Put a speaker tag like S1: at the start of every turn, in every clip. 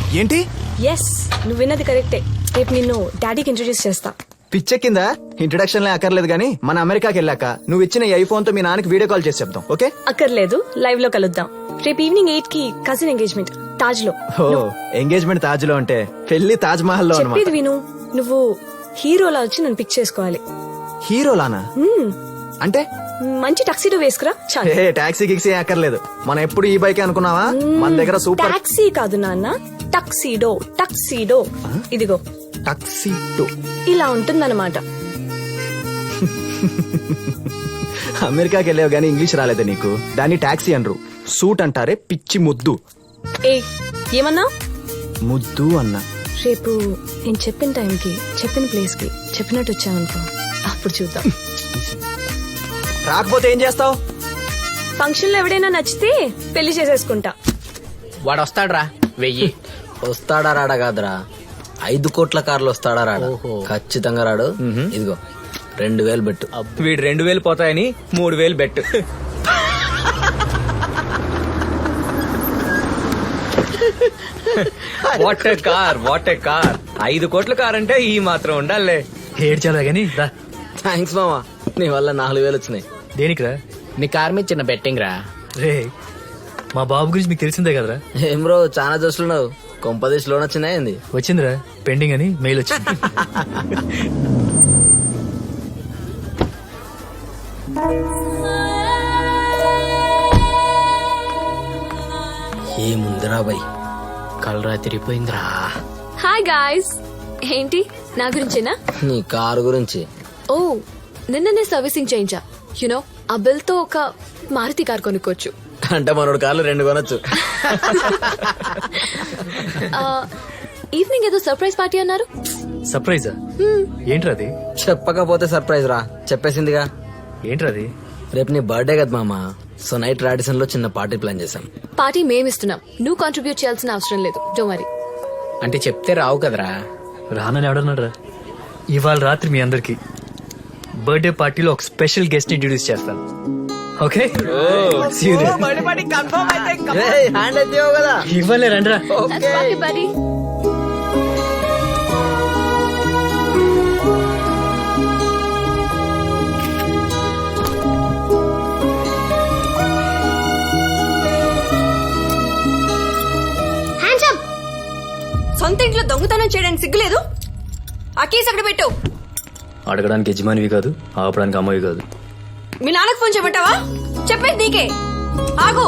S1: ఏంటి?
S2: ఎస్, నువ్వు విన్నది కరెక్టే. రేపు నిన్ను డాడీకి ఇంట్రొడ్యూస్ చేస్తా.
S1: పిచ్చెక్కిందా? ఇంట్రడక్షన్ లే అక్కర్లేదు గానీ మన అమెరికాకి వెళ్ళాక నువ్వు ఇచ్చిన ఈ ఐఫోన్ తో మీ నాన్నకి వీడియో కాల్ చేసి చెప్తాం. ఓకే?
S2: అక్కర్లేదు, లైవ్ లో కలుద్దాం. రేపు ఈవినింగ్ 8 కి కజిన్ ఎంగేజ్మెంట్ తాజ్ లో.
S1: ఎంగేజ్మెంట్ తాజ్ లో అంటే పెళ్లి తాజ్ మహల్ లో
S2: చెప్పేది
S1: అన్నమాట.
S2: విను, నువ్వు హీరోలా వచ్చి నన్ను పిక్ చేసుకోవాలి.
S1: హీరోలానా? అంటే
S2: మంచి టక్సీడో వేసుకురా చాలు.
S1: ఏ టాక్సీ గిక్సీ అక్కర్లేదు. మనం ఎప్పుడు ఈ బైక్ అనుకున్నావా? మన దగ్గర సూపర్
S2: టాక్సీ కాదు నాన్న, టక్సీడో. టక్సీడో ఇదిగో
S1: టాక్సీ టూ
S2: ఇలా ఉంటుందన్నమాట.
S1: అమెరికాకి వెళ్ళావు గానీ ఇంగ్లీష్ రాలేదా నీకు? దాన్ని టాక్సీ అనరు, సూట్ అంటారే పిచ్చి ముద్దు.
S2: ఏ ఏమన్నా?
S1: ముద్దు అన్నా.
S2: రేపు నేను చెప్పిన టైంకి చెప్పిన ప్లేస్ కి చెప్పినట్టు వచ్చావనుకో, అప్పుడు చూద్దాం.
S1: రాకపోతే ఏం చేస్తావు?
S2: ఫంక్షన్ లో ఎవడైనా నచ్చితే పెళ్లి చేసేసుకుంటా.
S3: వాడు వస్తాడ్రా 1000.
S4: వస్తాడా రాడా కాదురా, 5 కోట్ల కార్లు వస్తాడా రాడా? ఖచ్చితంగా రాడు. ఇదిగో 2000 బెట్టు.
S3: వీడు 2000 పోతాయని 3000 bet. What a car, what a car. 5 కోట్ల కార్ అంటే ఈ మాత్రం ఉండాలే.
S5: ఏడ్చాలా గానీ రా.
S4: థ్యాంక్స్ మామా, నీ వల్ల 4000 వచ్చినాయి.
S5: దేనికిరా?
S3: నీ కార్ మీద చిన్న బెట్టింగ్ రా.
S5: రే, మా బాబు గురించి మీకు తెలిసిందే కదరా.
S4: ఏం బ్రో చాలా జోష్లున్నావు? కొంపదేశ్ లోన్ వచ్చినాయింది.
S5: వచ్చిందిరా, పెండింగ్ అని మెయిల్ వచ్చింది.
S4: ఏముందిరా బై,
S3: కలరా తిరిగిపోయిందిరా.
S6: హాయ్ గాయ్స్, ఏంటి నా గురించేనా?
S4: నీ కారు గురించి.
S6: ఓ, నిన్ననే సర్వీసింగ్ చేయించా. యునో ఆ బిల్ తో ఒక మారుతి కార్ కొనుక్కోవచ్చు.
S4: అంటే మనోడు కార్లు 2 కొనొచ్చు.
S6: ఈవినింగ్ ఏదో సర్ప్రైజ్ పార్టీ అన్నారు.
S5: సర్ప్రైజా? ఏంట్రా అది?
S4: చెప్పకపోతే సర్ప్రైజ్ రా, చెప్పేసిందిగా.
S5: ఏంట్రా అది?
S4: రేపు నీ బర్త్డే కదా మామా, సో నైట్ రాడిసన్ లో చిన్న పార్టీ ప్లాన్ చేశాం.
S6: పార్టీ మేమిస్తున్నాం, నువ్వు కాంట్రిబ్యూట్ చేయాల్సిన అవసరం లేదు. Don't worry.
S3: అంటే చెప్తే రావు కదరా.
S5: రానని ఎవడన్నాడ్రా? ఇవాళ రాత్రి మీ అందరికి బర్త్డే పార్టీలో ఒక స్పెషల్ గెస్ట్ ఇంట్రొడ్యూస్ చేస్తాను. ఓకే?
S4: హ్యాండ్ అయితే కదా.
S5: ఇవ్వలే రండ్రా.
S6: buddy.
S2: సొంత ఇంట్లో దొంగతనం చేయడానికి సిగ్గులేదు? ఆ కేసు అక్కడ పెట్టు.
S5: అడగడానికి యజమానివి కాదు, ఆపడానికి అమ్మవి కాదు.
S2: మీ నాన్నకు ఫోన్ చేయమంటావా? చెప్పేది నీకే. ఆగు.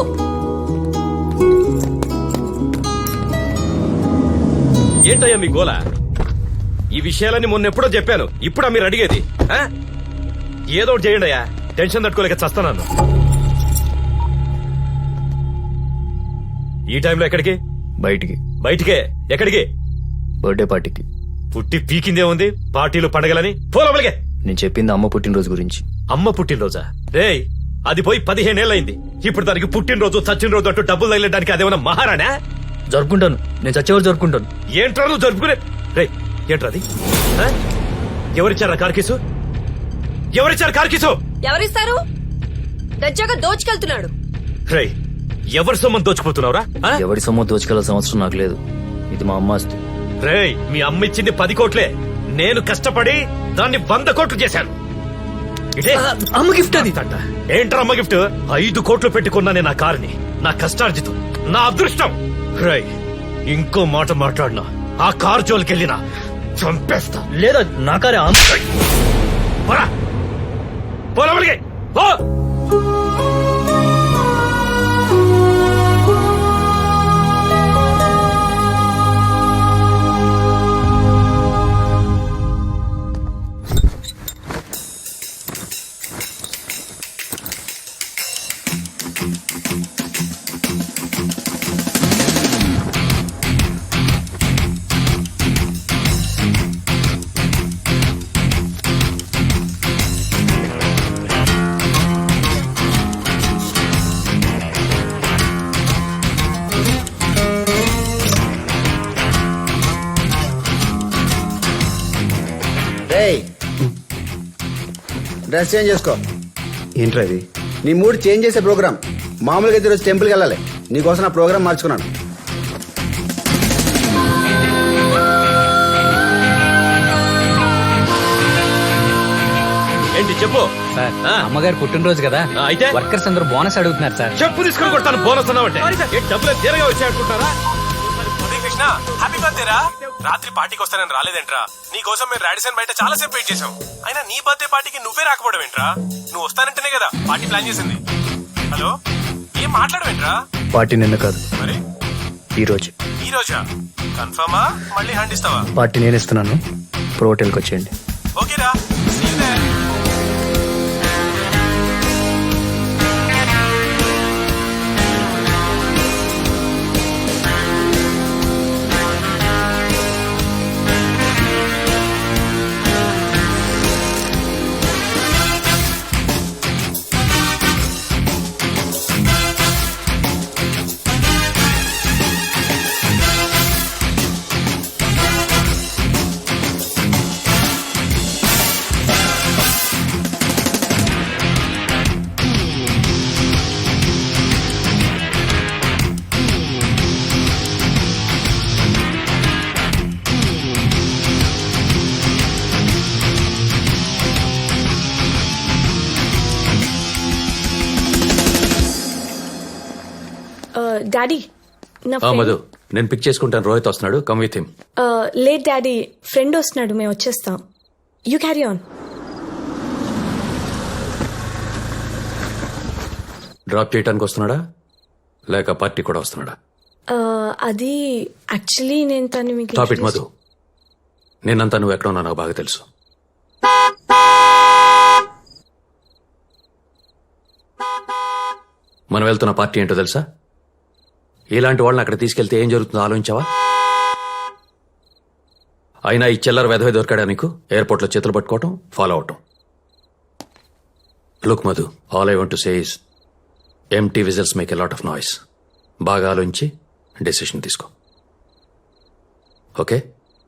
S7: ఏంటయ్యా మీ గోల? ఈ విషయాలన్నీ మొన్న ఎప్పుడో చెప్పాను, ఇప్పుడా మీరు అడిగేది? ఆ? ఏదో ఒకటి చేయండి అయ్యా, టెన్షన్ తట్టుకోలేక చస్తున్నాను. ఈ టైంలో ఎక్కడికి?
S5: బయటికి.
S7: బయటికే? ఎక్కడికి?
S5: బర్త్డే పార్టీకి.
S7: పుట్టి పీకిందే ఉంది పార్టీలు పండగలని. పోలవలిగే.
S5: నేను చెప్పింది అమ్మ పుట్టినరోజు గురించి.
S7: అమ్మ పుట్టినరోజా? రేయ్, అది పోయి 15 ఏళ్ళయింది. ఇప్పుడు దానికి పుట్టినరోజు చచ్చిన అంటూ డబ్బులు తగిలడానికి అదేమన్నా మహారాణా?
S5: జరుపుకుంటాను, నేను చచ్చేవారు జరుపుకుంటాను.
S7: ఏంట్రా నువ్వు జరుపుకునే? రే, ఏంట్రా అది? ఆ? ఎవరిచ్చారా కార్కీసు? ఎవరిచ్చారు కార్కీసు?
S2: ఎవరిస్తారు? దజ్జాగా దోచుకెళ్తున్నాడు.
S7: రే, ఎవరి సొమ్మని దోచుకుపోతున్నావురా? ఆ?
S5: ఎవరి సొమ్ము దోచుకెళ్ళాల్సిన అవసరం నాకు లేదు. ఇది మా అమ్మ ఆస్తి.
S7: రేయ్, మీ అమ్మ ఇచ్చింది 10 కోట్లే. నేను కష్టపడి దాన్ని 100 కోట్లు చేశాను. ఇదే
S5: అమ్మ గిఫ్ట్ అది.
S7: ఏంట్రా అమ్మ గిఫ్ట్? 5 కోట్లు పెట్టుకున్నానే నా కారుని. నా కష్టార్జితం, నా అదృష్టం. రేయ్, ఇంకో మాట మాట్లాడినా ఆ కారు జోలికెళ్ళినా చంపేస్తా.
S5: లేదా నా కారే.
S7: పోరా, పోలవలిగే. పో.
S8: డ్రెస్ చేంజ్ చేసుకో.
S1: ఏంట్రా ఇది?
S8: నీ మూడ్ చేంజ్ చేసే ప్రోగ్రామ్. మామూలుగా అయితే ఈరోజు టెంపుల్కి వెళ్ళాలి, నీకోసం నా ప్రోగ్రామ్ మార్చుకున్నాను.
S7: ఏంటి చెప్పు
S5: సార్
S7: ఆ.
S5: అమ్మగారు పుట్టినరోజు కదా
S7: ఆ, అయితే?
S5: వర్కర్స్ అందరూ బోనస్ అడుగుతున్నారు సార్.
S7: చెప్పు తీసుకొని కొడతాను బోనస్ అన్నావంటే ఏంటి డబ్బులు తీరగా వచ్చాయనుకుంటారా?
S9: కృష్ణ హ్యాపీ బర్త్డే రా. రాత్రి పార్టీకి వస్తానని రాలేదేంట్రా? నీ కోసం మేము రాడిసన్ బయట చాలా సేపు వెయిట్ చేసాం. అయినా నీ బర్త్డే పార్టీకి నువ్వే రాకపోవడం ఏంట్రా? నువ్వు వస్తానంటేనే కదా పార్టీ ప్లాన్ చేసింది. హలో, ఏం మాట్లాడవేంట్రా?
S5: పార్టీ నిన్న కాదు,
S9: మరి
S5: ఈ రోజు.
S9: ఈ రోజా? కన్ఫర్మా? మళ్ళీ హ్యాండ్ ఇస్తావా?
S5: పార్టీ నేను ఇస్తున్నాను, ప్రో హోటల్కి వచ్చేయండి.
S9: ఓకేరా, see you there.
S2: డాడీ నా
S10: మధు నేను పిక్ చేసుకుంటాను. రోహిత్ వస్తున్నాడు, come with him.
S2: Late daddy, friend వస్తున్నాడు, మేము వచ్చేస్తాం. You carry on.
S10: డ్రాప్ చేయడానికి వస్తున్నాడా లేక పార్టీ కూడా వస్తున్నాడా?
S2: అది యాక్చువల్లీ నేను తను మీకు
S10: టాప్ ఇట్ మధు. నేనంతా నువ్వు ఎక్కడ ఉన్నా నాకు బాగా తెలుసు. మనం వెళ్తున్న పార్టీ ఏంటో తెలుసా? ఇలాంటి వాళ్ళని అక్కడ తీసుకెళ్తే ఏం జరుగుతుందో ఆలోచించావా? అయినా ఈ చిల్లర వెధవే దొరికాడా నీకు? ఎయిర్పోర్ట్ లో చేతులు పట్టుకోవటం, ఫాలో అవటం. Look Madhu, all I want to say is empty vessels make a lot of noise. బాగా ఆలోచించి డెసిషన్ తీసుకో, ఓకే?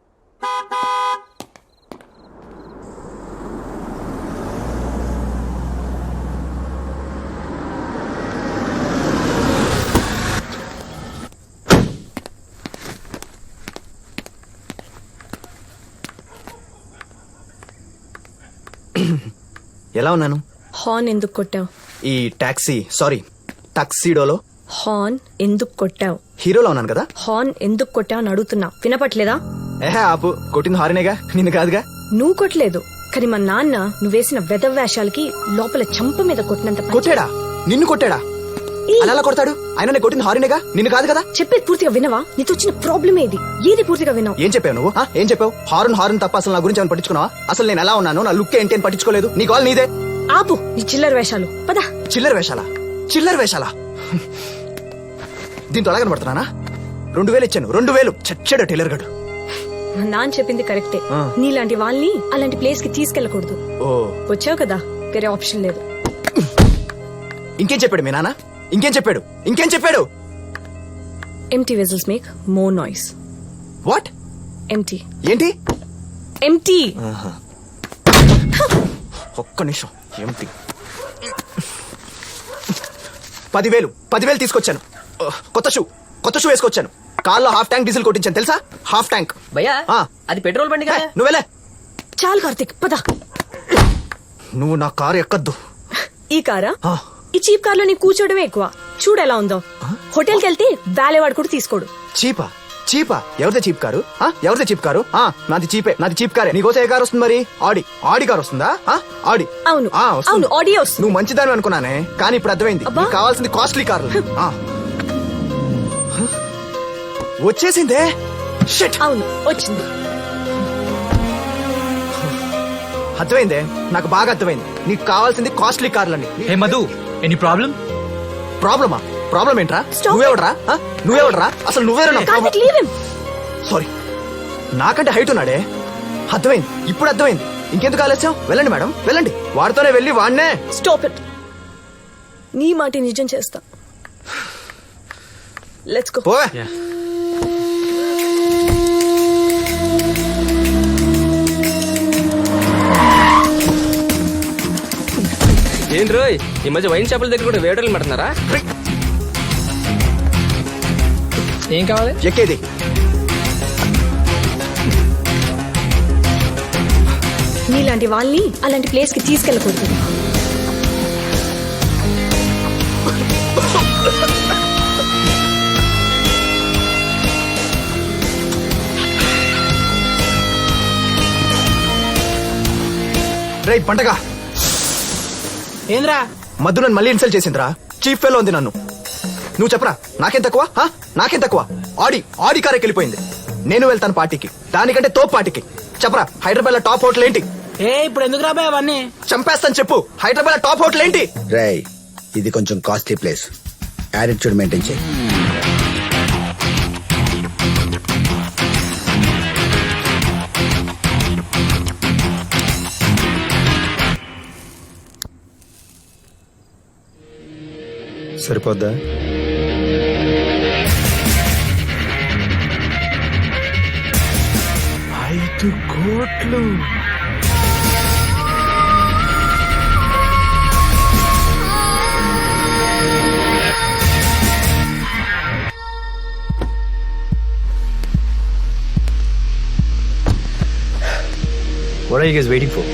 S1: ఎలా ఉన్నాను?
S2: హార్న్ ఎందుకు కొట్టావు?
S1: ఈ టాక్సీ సారీ టక్సీడోలో
S2: హార్న్ ఎందుకు కొట్టావు?
S1: హీరోలో ఉన్నాను కదా.
S2: హార్న్ ఎందుకు కొట్టావు అని అడుగుతున్నా, వినపట్లేదా?
S1: ఏహే ఆపు, కొట్టింది హారినేగా, నిన్ను కాదుగా.
S2: నువ్వు కొట్టలేదు, కానీ మా నాన్న నువ్వేసిన వెధవ్యాషాలకి లోపల చంప మీద కొట్టినంత పని
S1: కొట్టాడా? నిన్ను కొట్టాడా?
S2: ఈ,
S1: అలా ఎలా కొడతాడు? ఆయన నేను కొట్టింది హారినేగా, నిన్ను కాదు కదా.
S2: చెప్పేది పూర్తిగా వినవా? నీతో వచ్చిన ప్రాబ్లం ఏది? ఏది పూర్తిగా వినవు?
S1: ఏం చెప్పావు నువ్వు? ఏం చెప్పావు? హారన్ తప్ప అసలు నా గురించి ఏమైనా పట్టించుకున్నావా? అసలు నేను ఎలా ఉన్నాను, నా లుక్ ఏంటి అని పట్టించుకోలేదు. నీ కాల్ నీదే.
S2: ఆపు నీ చిల్లర వేషాలు, పదా.
S1: చిల్లర వేషాలా? దీంతో ఎలా కనబడుతున్నానా? 2000 ఇచ్చాను, 2000 చచ్చాడు టైలర్ గడు.
S2: మా నాన్న చెప్పింది కరెక్టే. నీలాంటి వాళ్ళని అలాంటి ప్లేస్ కి తీసుకెళ్ళకూడదు.
S1: ఓ,
S2: వచ్చావు కదా, వేరే ఆప్షన్ లేదు.
S1: ఇంకేం చెప్పాడు మీ నాన్న? ఇంకేం చెప్పాడు?
S2: Empty vessels make more noise.
S1: What?
S2: Empty
S1: ఏంటి?
S2: ఎంటీ.
S1: ఒక్క నిమిషం. ఏంటి? 10,000 తీసుకొచ్చాను. కొత్త షూ వేసుకొచ్చాను. కార్లో హాఫ్ ట్యాంక్ డీజిల్ కొట్టించాను తెలుసా? Half tank.
S4: భయ్యా అది పెట్రోల్ బండి కదా.
S1: నువ్వెలే.
S2: చాలు కార్తిక్, పద.
S1: నువ్వు నా కారు ఎక్కద్దు.
S2: ఈ కారా? ఈ చీప్ కార్ లో నీ కూర్చోవడమే ఎక్కువ. చూడు ఎలా ఉందో. హోటల్కి వెళ్తే వాలేవాడు కూడా తీసుకోడు.
S1: చీపా? ఎవరిదే చీప్ కారు? నాది చీప్ కారే. నీకోసం ఏ కారు వస్తుంది మరి? ఆడి కారు వస్తుందా? ఆడి.
S2: అవును,
S1: వస్తుంది.
S2: అవును, ఆడియో వస్తుంది.
S1: నువ్వు మంచిదాని అనుకున్నానే, కానీ ఇప్పుడు అర్థమైంది.
S2: అబ్బా.
S1: నీకు కావాల్సింది కాస్ట్లీ కారు. వచ్చేసిందే. షిట్.
S2: అవును, వచ్చింది.
S1: అర్థమైందే, నాకు బాగా అర్థమైంది. నీకు కావాల్సింది కాస్ట్లీ కార్లని.
S5: Hey Madhu, any problem?
S1: Problem ఏంట్రా?
S2: Stop.
S1: నువ్వేవడరా? అసలు నువ్వేరా?
S2: Karthik, leave him.
S1: సారీ, నాకంటే హైట్ ఉన్నాడే. అర్థమైంది, ఇప్పుడు అర్థమైంది. ఇంకెందుకు ఆలస్యం? వెళ్ళండి మేడం, వెళ్ళండి. వాడితోనే వెళ్ళి వాడినే.
S2: Stop it. నీ మాట నిజం చేస్తా. Let's go.
S1: పోవే.
S3: ఏం రోయ్, ఈ మధ్య వైన్ షాపుల దగ్గర కూడా వేటలు పెడుతున్నారా? ఏం కావాలి?
S1: ఎక్కేది.
S2: నీలాంటి వాళ్ళని అలాంటి ప్లేస్ కి తీసుకెళ్ళకూడదు.
S1: రే పంటగా
S8: ఏంద్రా
S1: మధు నన్ను మళ్ళీ ఇన్సల్ట్ చేసిందిరా. చీఫ్ ఫెలో ఉంది నన్ను. నువ్వు చెప్పరా నాకేం తక్కువ? నాకేం తక్కువ? ఆడి కారెక్కి వెళ్ళిపోయింది. నేను వెళ్తాను పార్టీకి, దానికంటే తోపు పార్టీకి. చెప్పరా హైదరాబాద్ లో టాప్ హోటల్ ఏంటి?
S8: ఇప్పుడు ఎందుకు రాబాయ్ అవన్నీ?
S1: చంపేస్తాను చెప్పు. హైదరాబాద్ లో టాప్ హోటల్ ఏంటి?
S8: రై ఇది కొంచెం కాస్ట్లీ ప్లేస్, యాటిట్యూడ్ మెయింటైన్ చేయి.
S1: సరిపోద్దా? కోట్లు.
S5: What are you guys waiting for?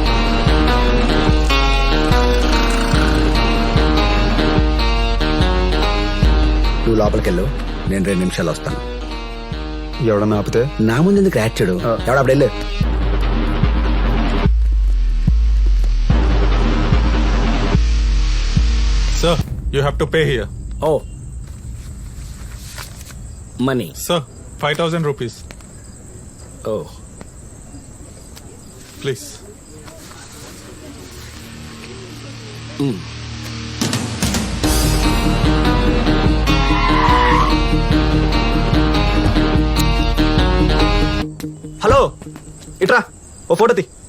S8: నువ్వు లోపలికి వెళ్ళు, నేను 2 నిమిషాలు వస్తాను.
S1: ఎవడన్నా ఆపితే
S8: నా ముందు ఎందుకు యాక్చుడు? ఎవడప్పుడు వెళ్ళు.
S9: Sir, you have to pay here.
S8: ఓ మనీ.
S9: Sir, 5,000 rupees.
S8: ఓ
S9: Please.
S1: హలో ఇట్రా, ఓ ఫోటో తీ.